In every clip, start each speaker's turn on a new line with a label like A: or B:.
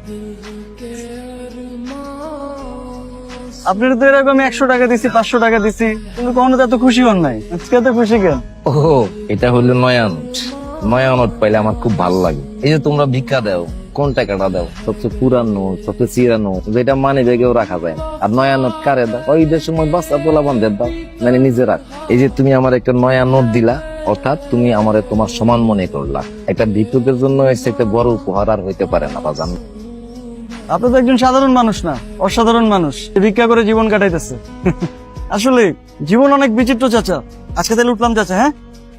A: আপনার তো এরকম 100 টাকা দিছি, 500 টাকা দিছি, কিন্তু কখনো তো এত খুশি হন নাই। আজকে এত খুশি কেন?
B: ও, এটা হলো নয়া নোট। নয়া নোট পাইলে আমার খুব ভালো লাগে। এই যে তোমরা ভিক্ষা দাও, কোন টাকাটা দাও? সবচেয়ে পুরান নোট, সবচেয়ে চিরা নোট, যেটা মানে ব্যাগেও রাখা যায় না। আর নয়া নোট কারে দাও? ওই ঈদের সময় বাচ্চা পোলা বান্ধব দাও, মানে নিজে রাখ। এই যে তুমি আমার একটা নয়া নোট দিলা, অর্থাৎ তুমি আমারে তোমার সমান মনে করলা। একটা ভিক্ষুকের জন্য এসে একটা বড় উপহার আর হইতে পারে না বাজান।
A: আপনি তো একজন সাধারণ মানুষ না, অসাধারণ মানুষ, ভিক্ষা করে জীবন কাটাইতেছে। আসলে জীবন অনেক বিচিত্র চাচা। আজকে তাহলে উঠলাম চাচা। হ্যাঁ,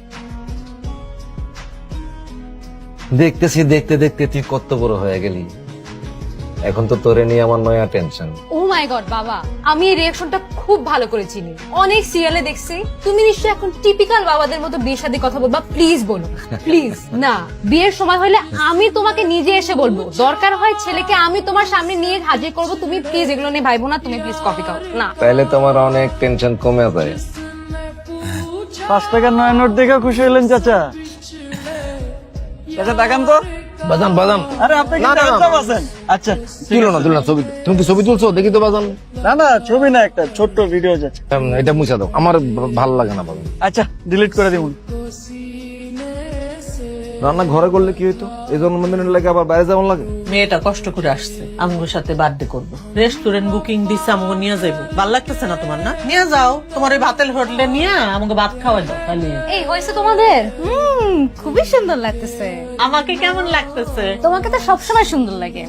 B: দেখতেছি দেখতে দেখতে তুই কত বড় হয়ে গেলি। এখন তো তোরে নিয়ে আমার নয়া টেনশন।
C: ও মাই গড বাবা, আমি এই রিঅ্যাকশনটা খুব ভালো করে চিনি, অনেক সিরিয়ালে দেখছি। তুমি নিশ্চয়ই এখন টিপিক্যাল বাবাদের মতো বিয়ের সাথে কথা বলবা। প্লিজ বলো, প্লিজ। না, বিয়ের সময় হলে আমি তোমাকে নিজে এসে বলবো, দরকার হয় ছেলেকে আমি তোমার সামনে নিয়ে হাজির করবো। তুমি প্লিজ এগুলো নিয়ে ভাইবো না, তুমি প্লিজ কফি খাও না।
B: তাইলে তোমার অনেক টেনশন কমে যায়।
A: 5 টাকার নয়া নোট দেখে খুশি হলেন চাচা। চাচা তাকান তো।
B: বাজান বাজান,
A: আরে আপনি
B: না,
A: কিন্তু
B: না, না।
A: একদম আছেন। আচ্ছা,
B: তুলো না তুলো না ছবি। তুমি কি ছবি তুলছো? দেখি তো বাজান।
A: না না, ছবি না, একটা ছোট্ট ভিডিও যাচ্ছে।
B: এটা মুছা দাও, আমার ভালো লাগে না বাজান।
A: আচ্ছা, ডিলিট করে দিবুন।
B: রান্না ঘরে করলে কি হইতো? এই জন্মদিনের লাগে আবার বাইরে যাওয়ার লাগে।
D: মেয়েটা কষ্ট করে আসছে আমগোর সাথে বার্থডে করবো, রেস্টুরেন্ট বুকিং দিচ্ছে, আমগো নিয়ে যাইবো। ভাল লাগতেছে না তোমার? না নিয়ে যাও, তোমার ওই ভাতের হোটেলে নিয়ে আমাকে ভাত খাওয়াই দাও তাহলে।
C: এই হয়েছে তোমাদের? খুবই সুন্দর লাগতেছে।
D: আমাকে কেমন লাগতেছে?
C: তোমাকে তো সবসময় সুন্দর লাগে।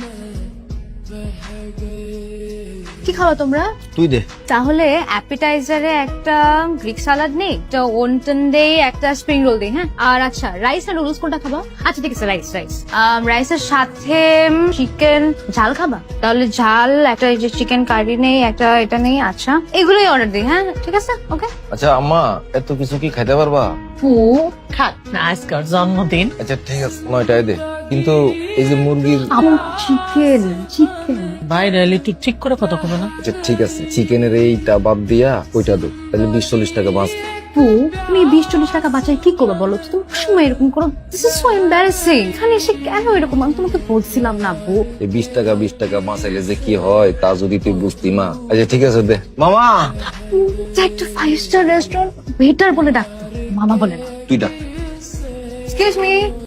C: কি খাওয়া তোমরা?
B: তুই দে।
C: তাহলে অ্যাপিটাইজারে একটা গ্রিক সালাড নেই, একটা ওনটন দেই, একটা স্প্রিং রোল দেই। হ্যাঁ, আর আচ্ছা রাইস আর নুডলস কোনটা খাবা? আচ্ছা ঠিক আছে, রাইস। রাইসের সাথে চিকেন ঝাল খাবা? তাহলে ঝাল একটা, এই যে চিকেন কারি নেই, একটা এটা নেই। আচ্ছা, এগুলোই অর্ডার দিই। হ্যাঁ ঠিক আছে, ওকে।
B: আচ্ছা আম্মা, এত কিছু কি খাইতে পারবা?
D: খাক না, আজকের জন্মদিন।
B: আচ্ছা ঠিক আছে, 9টায় দে। কিন্তু এই যে মুরগির,
C: চিকেন চিকেন
D: বাইরে এলে একটু ঠিক করে কথা কবে না?
B: আচ্ছা ঠিক আছে, চিকেনের এইটা বাদ দিয়া ওইটা দে, তাহলে 20-40 টাকা বাঁচ।
C: তুমি 20-40 টাকা বাঁচাই কি করবে বলো তো? তুমি সময় এরকম করো, দিস ইজ সো এম্বারাসিং। এখানে এসে কেন এরকম? আমি তোমাকে বলছিলাম না বউ।
B: এই 20 টাকা বাঁচাইলে যে কি হয় তা যদি তুই বুঝতি মা। আচ্ছা ঠিক আছে দে। মামা,
C: একটা 5 স্টার রেস্টুরেন্ট ওয়েটার বলে ডাকতো, মামা বলে না।
B: তুই ডাক।
C: Excuse me,